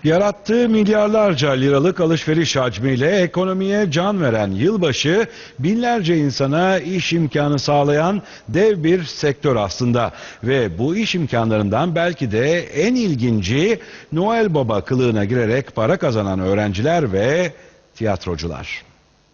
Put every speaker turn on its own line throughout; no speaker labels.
Yarattığı milyarlarca liralık alışveriş hacmiyle ekonomiye can veren yılbaşı, binlerce insana iş imkanı sağlayan dev bir sektör aslında. Ve bu iş imkanlarından belki de en ilginci Noel Baba kılığına girerek para kazanan öğrenciler ve tiyatrocular.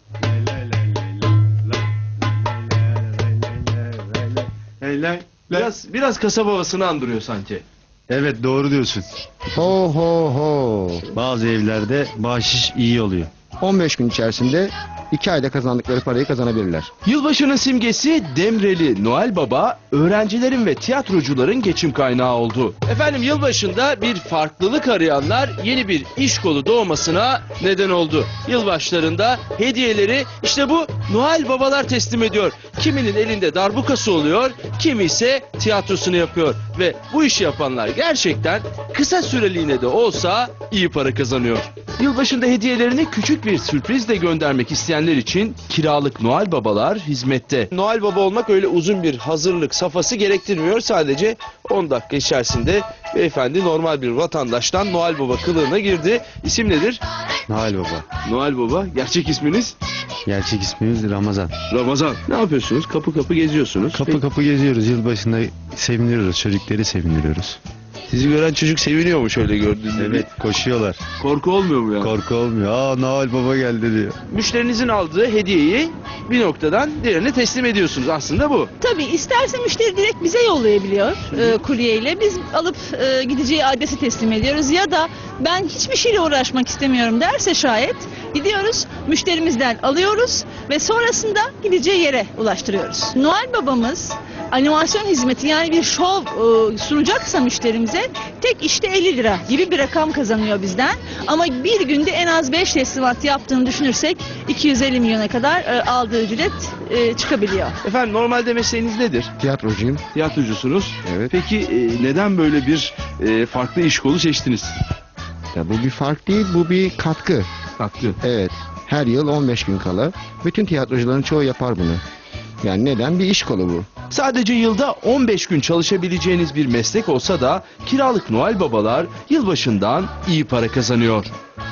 Biraz kasaba havasını andırıyor sanki.
Evet, doğru diyorsun.
Ho ho ho.
Bazı evlerde bahşiş iyi oluyor.
15 gün içerisinde 2 ayda kazandıkları parayı kazanabilirler.
Yılbaşının simgesi Demreli Noel Baba, öğrencilerin ve tiyatrocuların geçim kaynağı oldu. Efendim, yılbaşında bir farklılık arayanlar yeni bir iş kolu doğmasına neden oldu. Yılbaşlarında hediyeleri işte bu Noel Babalar teslim ediyor. Kiminin elinde darbukası oluyor, kimi ise tiyatrosunu yapıyor. Ve bu işi yapanlar gerçekten kısa süreliğine de olsa iyi para kazanıyor. Yılbaşında hediyelerini küçük bir sürprizle göndermek isteyenler için kiralık Noel Babalar hizmette. Noel Baba olmak öyle uzun bir hazırlık safhası gerektirmiyor. Sadece 10 dakika içerisinde beyefendi normal bir vatandaştan Noel Baba kılığına girdi. İsim nedir?
Noel Baba.
Noel Baba. Gerçek isminiz?
Gerçek ismimiz Ramazan.
Ramazan. Ne yapıyorsunuz? Kapı kapı geziyorsunuz.
Kapı kapı geziyoruz. Yılbaşında sevindiriyoruz. Çocukları sevindiriyoruz.
Sizi gören çocuk seviniyor mu şöyle gördüğünde?
Evet, koşuyorlar.
Korku olmuyor mu ya?
Korku olmuyor. Aa, Noel Baba geldi diyor.
Müşterinizin aldığı hediyeyi bir noktadan diğerine teslim ediyorsunuz. Aslında bu.
Tabii isterse müşteri direkt bize yollayabiliyor kuryeyle. Biz alıp gideceği adresi teslim ediyoruz. Ya da ben hiçbir şeyle uğraşmak istemiyorum derse şayet gidiyoruz, müşterimizden alıyoruz ve sonrasında gideceği yere ulaştırıyoruz. Noel Babamız animasyon hizmeti, yani bir şov sunacaksa müşterimize tek işte 50 lira gibi bir rakam kazanıyor bizden. Ama bir günde en az 5 teslimat yaptığını düşünürsek 250 milyona kadar aldığı ücret çıkabiliyor.
Efendim, normalde mesleğiniz nedir?
Tiyatrocuyum.
Tiyatrocusunuz.
Evet.
Peki neden böyle bir farklı iş kolu seçtiniz?
Ya bu bir fark değil, bu bir katkı.
Farklı.
Evet. Her yıl 15 gün kala bütün tiyatrocuların çoğu yapar bunu. Yani neden? Bir iş kolu bu.
Sadece yılda 15 gün çalışabileceğiniz bir meslek olsa da kiralık Noel Babalar yılbaşından iyi para kazanıyor.